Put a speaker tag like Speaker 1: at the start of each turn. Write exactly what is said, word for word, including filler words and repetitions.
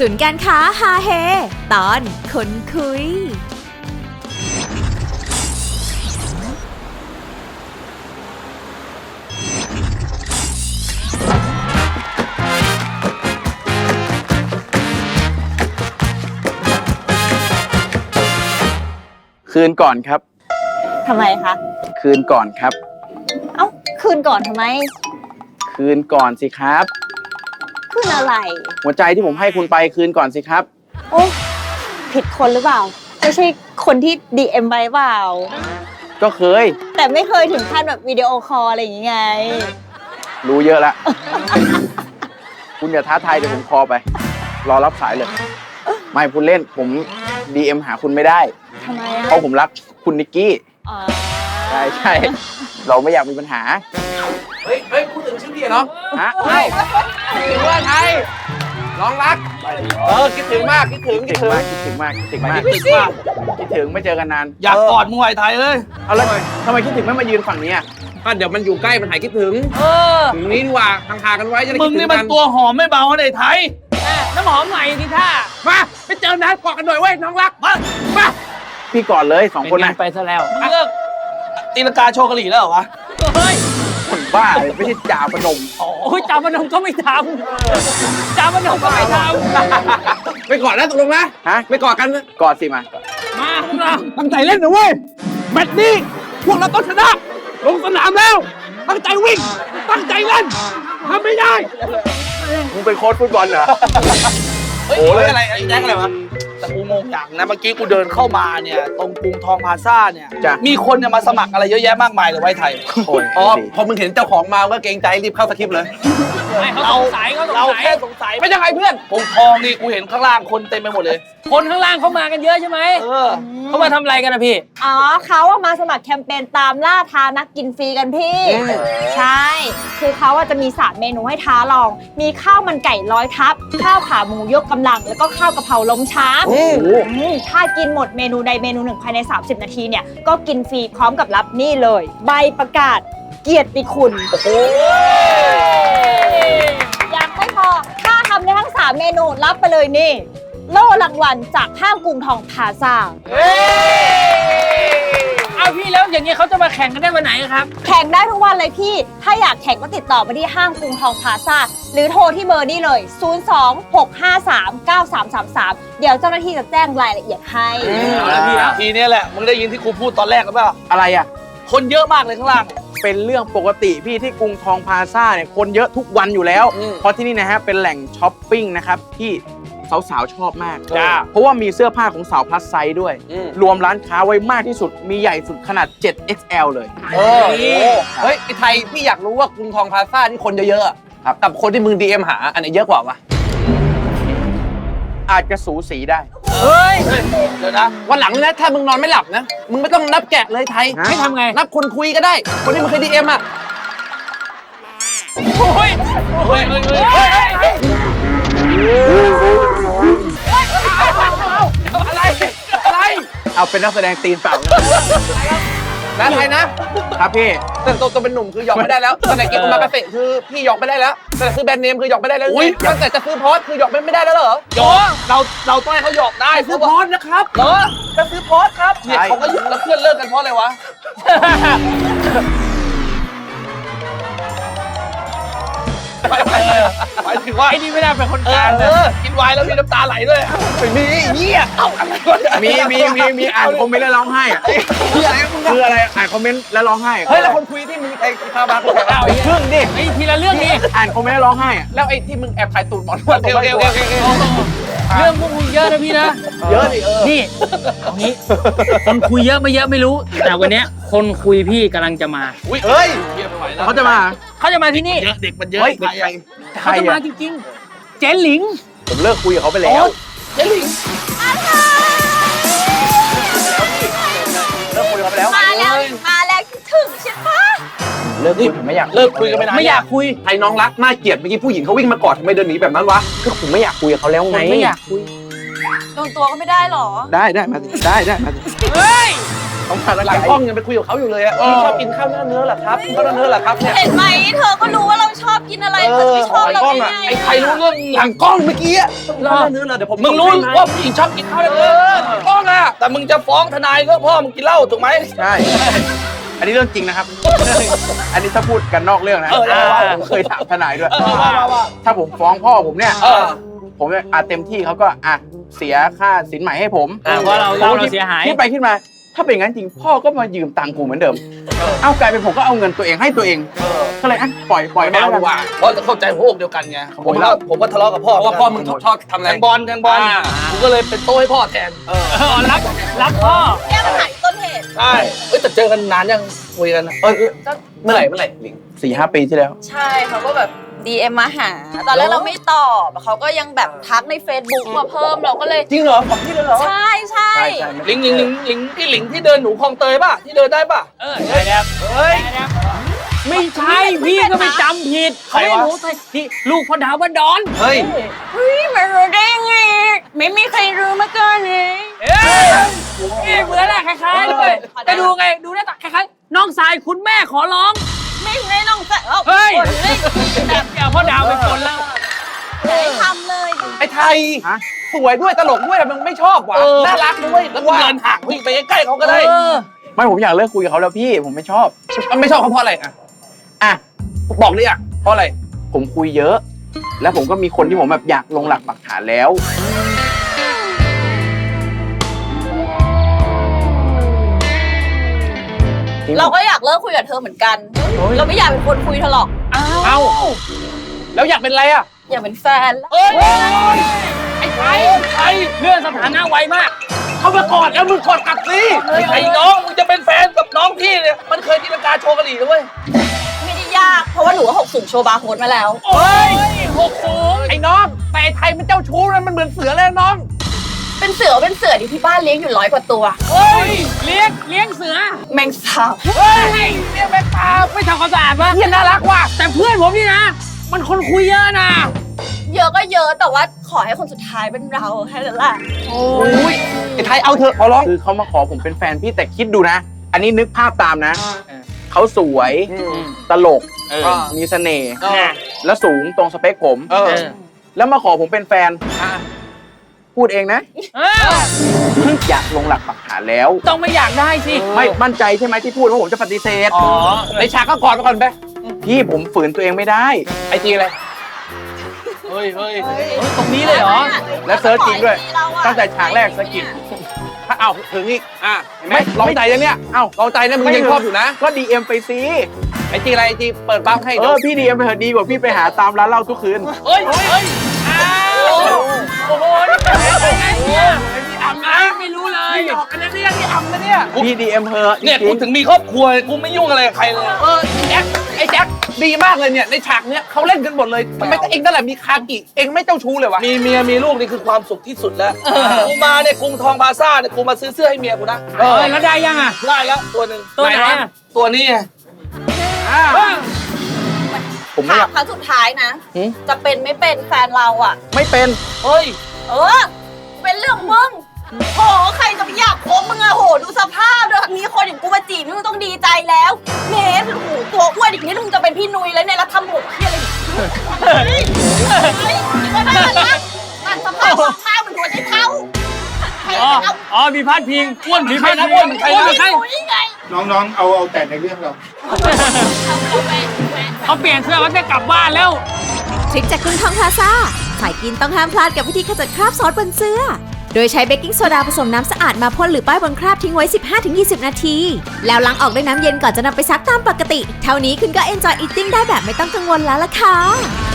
Speaker 1: ศูนย์การค้าฮาเฮตอนคนคุย
Speaker 2: คืนก่อนครับ
Speaker 3: ทำไมคะ
Speaker 2: คืนก่อนครับ
Speaker 3: เอ้าคืนก่อนทำไม
Speaker 2: คืนก่อนสิครับ
Speaker 3: คืนอะไร
Speaker 2: หัวใจที่ผมให้คุณไปคืนก่อนสิครับ
Speaker 3: โอ้ผิดคนหรือเปล่าไม่ใช่คนที่ ดี เอ็ม ไปเปล่า
Speaker 2: ก็เคย
Speaker 3: แต่ไม่เคยถึงขั้นแบบวิดีโอคอลอะไรอย่างเงี้ย
Speaker 2: รู้เยอะละ คุณอย่าท้าทายเดี๋ยวผมคอไปรอรับสายเลยไม่พูดเล่นผม ดี เอ็ม หาคุณไม่ได้
Speaker 3: ทำไมอ่ะ
Speaker 2: เพราะผมรักคุณนิกกี้ใช่ใช่เราไม่อยากมีปัญหา
Speaker 4: เฮ้ยเฮ้ยพูดถึงชื่อพี่เนาะ
Speaker 2: ฮะ
Speaker 4: เฮ้ยถึงเพื่อนไทยน้องรักเออคิดถึงมากคิดถึงคิดถึง
Speaker 2: คิดถึงมากคิดถึงมาก
Speaker 4: คิดถึงมาก
Speaker 2: คิดถึงไม่เจอกันนาน
Speaker 4: อยากกอดมวยไทยเลย
Speaker 2: เอาแล้วทำไมคิดถึงไม่มายืนฝั่งนี้อ่ะ
Speaker 4: ก็เดี๋ยวมันอยู่ใกล้มันหายคิดถึงเออถึงนี้ดีกว่าห่างๆกันไว้จะได้คิดถึงกันมึงนี่มันตัวหอมไม่เบาเลยไทยน้ำหอมใหม่ดิท่ามาไปเจอนะกอดกันหน่อยเว้ยน้องรักมามา
Speaker 2: พี่กอดเลยสองคนนะ
Speaker 4: ไปซะแล้วเลิกตีลังกาโชว์กะหรี่แล้วเหรอวะเฮ้ย
Speaker 2: คนบ้าไม่ใช่จ่าพนม
Speaker 4: โอ้ยจ่าพนมก็ไม่ทำจ่าพนมก็ไม่ทำไปกอดนะตกลงนะ
Speaker 2: ฮะ
Speaker 4: ไปกอดกัน
Speaker 2: กอดสิมา
Speaker 4: มาพวกเราตั้งใจเล่นนะเว้ยแมตช์นี้พวกเราต้องชนะลงสนามแล้วตั้งใจวิ่งตั้งใจเล่นทำไม่ได้
Speaker 2: มึงเป็นโค้ชฟุตบอลเหรอ
Speaker 4: โอ้ยอะไรไอ้แจ็คอะไรวะแต่กูงงอย่างนะเมื่อกี้กูเดินเข้ามาเนี่ยตรงกรุงทองพลาซ่าเนี่ยมีคนเนี่ยมาสมัครอะไรเยอะแยะมากมายเลยไว้ไทยอ๋อพอมึงเห็นเจ้าของมาก็เกรงใจรีบเข้าสคริปต์เลยเราเราแค่สงสัยไม่ใช่ใครเพื่อนกรุงทองนี่กูเห็นข้างล่างคนเต็มไปหมดเลยคนข้างล่างเขามากันเยอะใช่ไหมเออเขามาทำอะไรกันนะพี่
Speaker 3: อ๋อเขาอะมาสมัครแคมเปญตามล่าท้านักกินฟรีกันพี่ใช่คือเขาอะจะมีสามเมนูให้ท้าลองมีข้าวมันไก่ร้อยทับข้าวขาหมูยกกำลังแล้วก็ข้าวกะเพราล้มช้างถ้ากินหมดเมนูใดเมนูหนึ่งภายในสามสิบนาทีเนี่ยก็กินฟรีพร้อมกับรับนี่เลยใบประกาศเกียรติคุณโอ้โหยังไม่พอถ้าทำได้ทั้งสามเมนูรับไปเลยนี่โล่รางวัลจากห้างกรุงทองพลาซ่า
Speaker 4: เอาพี่แล้วอย่างนี้เขาจะมาแข่งกันได้วันไหนครับ
Speaker 3: แข่งได้ทุกวันเลยพี่ถ้าอยากแข่งก็ติดต่อมาที่ห้างกรุงทองพลาซ่าหรือโทรที่เบอร์นี้เลยศูนย์ สอง หก ห้า สาม เก้า สาม สาม สามเดี๋ยวเจ้าหน้าที่จะแจ้งรายละเอียดให้
Speaker 4: เอาละพี่ทีนี้แหละมึงได้ยินที่ครูพูดตอนแรกหรือเปล่า
Speaker 2: อะไรอ่ะ
Speaker 4: คนเยอะมากเลยข้างล่าง
Speaker 2: เป็นเรื่องปกติพี่ที่กรุงทองพลาซ่าเนี่ยคนเยอะทุกวันอยู่แล้วเพราะที่นี่นะฮะเป็นแหล่งช้อปปิ้งนะครับที่สาวๆชอบมากเพราะว่ามีเสื้อผ้าของสาวพลัสไซส์ด้วยรวมร้านค้าไว้มากที่สุดมีใหญ่สุดขนาด เจ็ด เอ็กซ์ แอล เลย
Speaker 4: เออเฮ้ยไอ้ไทยพี่อยากรู้ว่ากรุงทองพลาซ่าที่คนเยอะๆครับกับคนที่มึง ดี เอ็ม หาอันไหนเยอะกว่าวะ
Speaker 2: อาจจะสูสีได้
Speaker 4: เฮ้ยเดี๋ยวนะวันหลังนะถ้ามึงนอนไม่หลับนะมึงไม่ต้องนับแกะเลยไทยให้ทำไงนับคนคุยก็ได้คนที่มึงเคย ดี เอ็ม อ่ะโอ้ยโอ้ยโอ้ยโอ้ยอะไรอะไร
Speaker 2: เอาเป็นนักแสดงตีนเปล่า
Speaker 4: นะไทยนะครับ
Speaker 2: พี่
Speaker 4: แต่ตัวตัวเป็นหนุ่มคือหยอกไม่ได้แล้วตั้งแต่เก็บมาเกษตรคือพี่หยอกไม่ได้แล้วตั้งแต่ซื้อแบรนด์เนมคือหยอกไม่ได้แล้วตั้งแต่จะซื้อพอร์ตคือหยอกไม่ได้แล้วเหรอหยอกเราเราต้องให้เขาหยอกได้ซื้อพอร์ตนะครับเหรอจะซื้อพอร์ตครับเนี่ยเขาก็หยุดแล้วเพื่อนเลิกกันเพราะอะไรวะหมายถึงว่าไอ้นี่ไม่ได้เป็นคนกลางเออกินไวน์แล้วมีน้ำตาไหลด้วยไม่มีเหี้ยเอ้าอะไร
Speaker 2: มีมีมีมีอ่านคอมเมนต์แล้วร้องไห้คืออะไรคืออะไรอ่านคอมเมนต์แล้วร้องไห้
Speaker 4: เฮ้ยแล้วคนคุยที่มึงไอ้คาบาร์เอาไอ้
Speaker 2: เรื่องดิ
Speaker 4: ไอ้ทีละเรื่องดิ
Speaker 2: อ่านคอมเมนต์แล้วร้องไห้
Speaker 4: แล้วไอ้ที่มึงแอบถ่ายตูดหมอนวดเร็วเร็วเร็วเรื่องพวกมึงเยอะนะพี่นะ
Speaker 2: เยอะดิเออ
Speaker 5: นี่เอางี้คนคุยเยอะไม่เยอะไม่รู้แต่วันนี้คนคุยพี่กำลังจะมา
Speaker 4: เฮ้ย
Speaker 2: เขาจะมา
Speaker 5: เขาจะมาที่นี่
Speaker 4: เด็กมันเยอะ
Speaker 5: เขาจะมาจริงๆเจ๊หลิง
Speaker 2: ผมเลิกคุยกับเขาไปแล้ว
Speaker 4: เจ๊หลิง
Speaker 2: เลิกคุยกับเขาไปแล้ว
Speaker 3: มาแล้วมาแล้วถึงใช่ปะ
Speaker 2: เลิกคุยผมไม่อยาก
Speaker 4: เลิกคุยกันไม่ได้
Speaker 5: ไม่อยากคุย
Speaker 4: ไอ้น้องรักน่าเกลียดเมื่อกี้ผู้หญิงเขาวิ่งมากอดทำไมเดินหนีแบบนั้นวะ
Speaker 2: คือผมไม่อยากคุยกับเขาแล้วไง
Speaker 5: ไม่อยากคุย
Speaker 3: โดนตัวก็ไม่ได้หรอ
Speaker 2: ได้ได้มาได้ได้มา
Speaker 5: เฮ้ย
Speaker 2: ต้องการ
Speaker 4: หลังกล้องยังไปคุยกับเขาอยู่เลยอะพี่ชอบกินข้าวหน้าเนื้อเหรอครับข้าวหน้าเนื้อเหรอครับเนี่ย
Speaker 3: เห็นไหมเธอก็รู้ว่าเราชอบกินอะไรเธอจะไม่ชอบเราได้ไง
Speaker 4: ไอ้ใครรู้เรื่องหลังกล้องเมื่อกี้อะข้าวหน้าเนื้อเหรอเดี๋ยวผมมึงรู้ว่าผู้หญิงชอบกินข้าวหน้าเนื้อหลังกล้องอะแต่มึงจะฟ้องทนายก็พ่อมึงกินเหล้าถูกไหม
Speaker 2: ใช่ อันนี้เรื่องจริงนะครับ อันนี้ถ้าพูดกันนอกเรื่องนะ
Speaker 4: เออได้ได้
Speaker 2: ผมเคยถามทนายด้วย
Speaker 4: เออว่าว่าว่า
Speaker 2: ถ้าผมฟ้องพ่อผมเนี่ย
Speaker 4: เออ
Speaker 2: ผมเนี่ยอาเต็มที่เขาก็อ่ะเสียค่าสินใหม่ให้ผม
Speaker 5: อ่าเพราะเราเราเราเสียหาย
Speaker 2: คิดไปคิดมา ถ้าเป็นอย่างนั้นจริงพ่อก็มายืมตังค์กูเหมือนเดิม เอากลายเป็นผมก็เอาเงินตัวเองให้ตัวเอง ก็เลยอ่ะปล่อยปล่อย
Speaker 4: ไม่เอา
Speaker 2: แล้
Speaker 4: ดีกว่าเพราะจะเข้าใจหัวอกเดียวกันไงผมก็ผมก็ทะเลาะกับพ่อ
Speaker 6: เพราะว่าพ่อมึงชอบทำอะไร
Speaker 4: แทงบอลแทงบอลผมก็เลยเป็นโต้ให้พ่อแทน
Speaker 5: เออรักรักพ่อ
Speaker 3: แก้ปัญหาที่ต้นเหตุ
Speaker 4: ใช่เอ้ยแต่เจอกันนานยังคุยกันอะเออเมื่อไหร่เมื่อไหร่ลิง
Speaker 2: สี่ห้าปีที่แล้ว
Speaker 3: ใช่เขาก็แบบ ดี เอ็ม มาหา ตอนแรกเราไม่ตอบเขาก็ยังแบบทักใน Facebook มาเพิ่มเราก็เลย
Speaker 4: จริงเหรอของพี่เลยเหรอ
Speaker 3: ใช่ใช่
Speaker 2: ใช่ใช่
Speaker 4: ลิงลิงลิงลิงที่ลิงที่เดินหนูคลองเตยป่ะที่เดินได้ป่ะ
Speaker 5: เออได้แล้ว
Speaker 4: เฮ้ย
Speaker 5: ได้แล้วไม่ใช่พี่ก็ไปจำผิด
Speaker 4: ใคร
Speaker 5: เขา
Speaker 4: วะ
Speaker 5: ไม่รู้ใช่ที่ลูกพ่อดาวว่าดอน
Speaker 4: เฮ้ย
Speaker 3: เฮ้ยไม่รู้ได้ไงไม่มีใครรู้มาก่อนเลย
Speaker 5: เอ้ยนี่เหมือนแหละคล้ายๆด้วยไปดูไงดูหน้าตาคล้ายๆน้องสายคุณแม่ขอร้อง
Speaker 3: ไม่ใช่น้องแฟน
Speaker 5: เฮ้ย
Speaker 3: คนเลย
Speaker 5: แบบอย่าพ่อดาวเป็นคนแล้ว
Speaker 3: ไม่ได้ทำเลย
Speaker 4: ไอ้ไทย
Speaker 2: ฮะ
Speaker 4: สวยด้วยตลกด้วยแต่มึงไม่ชอบว่ะน่ารักด้วยแล้วมึงเดินห่างวิ่งไปใกล้ๆเขาก็ได้
Speaker 5: เออ
Speaker 2: ไม่ผมอยากเลิกคุยกับเขาแล้วพี่ผมไม่ชอบ
Speaker 4: มันไม่ชอบเขาเพราะอะไรอ่ะ
Speaker 2: อ่ะ
Speaker 4: บอกเลยอ่ะเพราะอะไร
Speaker 2: ผมคุยเยอะ แล้วผมก็มีคนที่ผมแบบอยากลงหลักปักฐานแล้วจริง
Speaker 3: เราก็อยากเลิกคุยกับเธอเหมือนกัน เราไม่อยากเป็นคนคุยเธอหรอก
Speaker 4: เอาแล้วอยากเป็นอะไรอ่ะ
Speaker 3: อยากเป็นแฟนแล้ว
Speaker 4: เอ้ยไอ้ไทยไทย
Speaker 5: เลื่อนสถานะไวมาก
Speaker 4: เข้ามากอดแล้วมึงกอดกลับสิไอ้น้องมึงจะเป็นแฟนกับน้องพี่เนี่ยมันเคยตีลังกาโชว์กะหรี่ด้วย
Speaker 3: ไม่ได้ยากเพราะว่าหนูก็หกสูงโชว์บาร์โค้ดมาแล้ว
Speaker 4: โอ้ยหกสูงไอ้น้องแต่ไอ้ไทยมันเจ้าชู้นะมันเหมือนเสือเลยน้อง
Speaker 3: เป็นเสือเป็นเสือที่ที่บ้านเลี้ยงอยู่ร้อยกว่าตัว
Speaker 4: เฮ้ย
Speaker 5: เลี้ยงเลี้ยงเสือ
Speaker 3: แมงสาบ
Speaker 4: เฮ้ยเรียกแม่ตา
Speaker 5: ไม่ทำความสะอาดปะ
Speaker 4: เฮียน่ารักว่ะ
Speaker 5: แต่เพื่อนผมนี่นะ มันคนคุยเยอะนะ
Speaker 3: เยอะก็เยอะแต่ว่าขอให้คนสุดท้ายเป็นเราแค่นั้นแหละ
Speaker 4: โอ้ยไอ้ไทยเอาเถอะขอร้อง
Speaker 2: คือเขามาขอผมเป็นแฟนพี่แต่คิดดูนะ อันนี้นึกภาพตามนะ เขาสวย ตลก
Speaker 5: เออ
Speaker 2: มีเสน่ห์
Speaker 4: เออ
Speaker 2: แล้วสูงตรงสเปคผม
Speaker 4: เออ
Speaker 2: แล้วมาขอผมเป็นแฟน พูดเองนะ
Speaker 5: เออ
Speaker 2: อยากลงหลักปักฐานแล้ว
Speaker 5: ต้องไม่อยากได้สิ
Speaker 2: ไม่มั่นใจใช่ไหมที่พูดว่าผมจะปฏิเสธ
Speaker 5: อ๋อ
Speaker 4: ในฉากก็กอดไปก่อนไป
Speaker 2: พี่ผมฝืนตัวเองไม่ได้
Speaker 4: ไอจีอะไรเฮ้ยเฮ้ย
Speaker 5: ตรงนี้เลยเหรอ
Speaker 2: และเซิร์ชจริงด้วย ตั้งแต่ฉากแรกสะกิด
Speaker 4: ถ้าเอาถึงอีกอ่ะ
Speaker 2: ไม่
Speaker 4: ไม่ลองใจยังเนี่ย
Speaker 2: เอ้า
Speaker 4: ลองใจนะมึงยังชอบอยู่นะ
Speaker 2: ก็ดีเอ็มไปสิ
Speaker 4: ไอจีอะไรไอจีเปิดบ้าให้
Speaker 2: เอ
Speaker 4: เดี๋ยว
Speaker 2: อพี่ดีเอ็มไปเถอะดีกว่าพี่ไปหาตามร้านเหล้าทุกคืน
Speaker 4: เฮ้ยเฮ้ยอ้าวโอ้โหนี่เป็นไงเนี่ยนี่อ่ำนะ
Speaker 5: ไม่รู้เลย
Speaker 4: นี่หยอกกันนะเนี่ยนี่อ่ำนะเนี่ย
Speaker 2: พี่ดีเอ็มเถอะ
Speaker 4: เนี่ย
Speaker 2: จริ
Speaker 4: กู
Speaker 2: ง
Speaker 4: ถึงมีครอบครัวกูไม่ยุ่งอะไรกับใครเลยเออไอ้แจ็คไอ้แจ็คดีมากเลยเนี่ยในฉากเนี้ยเขาเล่นกันหมดเลยทำไมแต่เองนั่นแหละมีคากิเองไม่เจ้าชู้เลยวะมีเมียมีลูกนี่คือความสุขที่สุดแล้วกูมาเนี่ยกรุงทองพลาซ่าเนี่ยกูมาซื้อเสื้อให้เมียกูนะ
Speaker 5: เออแล้วได้ยังอ่ะ
Speaker 4: ได้แล้วตัวหนึ่ง
Speaker 5: ตัวไหนอะ
Speaker 4: ตัวนี้ไง
Speaker 2: ผมไม่
Speaker 3: ถา
Speaker 2: อยาม ก
Speaker 3: ครั้งสุดท้ายนะ
Speaker 2: หืม
Speaker 3: จะเป็นไม่เป็นแฟนเราอ่ะ
Speaker 2: ไม่เป็น
Speaker 4: เฮ้ย
Speaker 3: เออ เป็นเรื่องมึงโหใครจะไปอยากคบมึงอะโหดูสภาพเลยมีคนอย่างกูมาจีบมึงต้องดีใจแล้วเมสโอ้โหตัวอ้วนอีกนิดมึงจะเป็นพี่นุ้ยแล้วเนี่ยแล้วทำผมเพี้ยอะไรอีกเฮ้ยเฮ้ยไม่ได้นะนั่นสภาพสภาพเหมือนหัวใจเท้าใคร
Speaker 5: อ๋อ
Speaker 3: จะเอา
Speaker 5: อ๋อ มีพาดพิง
Speaker 4: อ้วนมีใครนะ
Speaker 5: พิง
Speaker 4: อ้วนเป็นใครนะ
Speaker 3: พี่นุ้ยไง
Speaker 6: น้องๆ เอาเอาแต่ในเรื่องเรา
Speaker 5: เขาเปลี่ยนเสื้อเขาจะกลับบ้านแล้ว
Speaker 1: ทริคจากกรุงทองพลาซ่าสายกินต้องห้ามพลาดกับวิธีขจัดคราบซอสบนเสื้อ โดยใช้เบกกิ้งโซดาผสมน้ำสะอาดมาพ่นหรือป้ายบนคราบทิ้งไว้ สิบห้าถึงยี่สิบ นาที แล้วล้างออกด้วยน้ำเย็นก่อนจะนำไปซักตามปกติ เท่านี้คุณก็ enjoy eating ได้แบบไม่ต้องกังวลแล้วล่ะค่ะ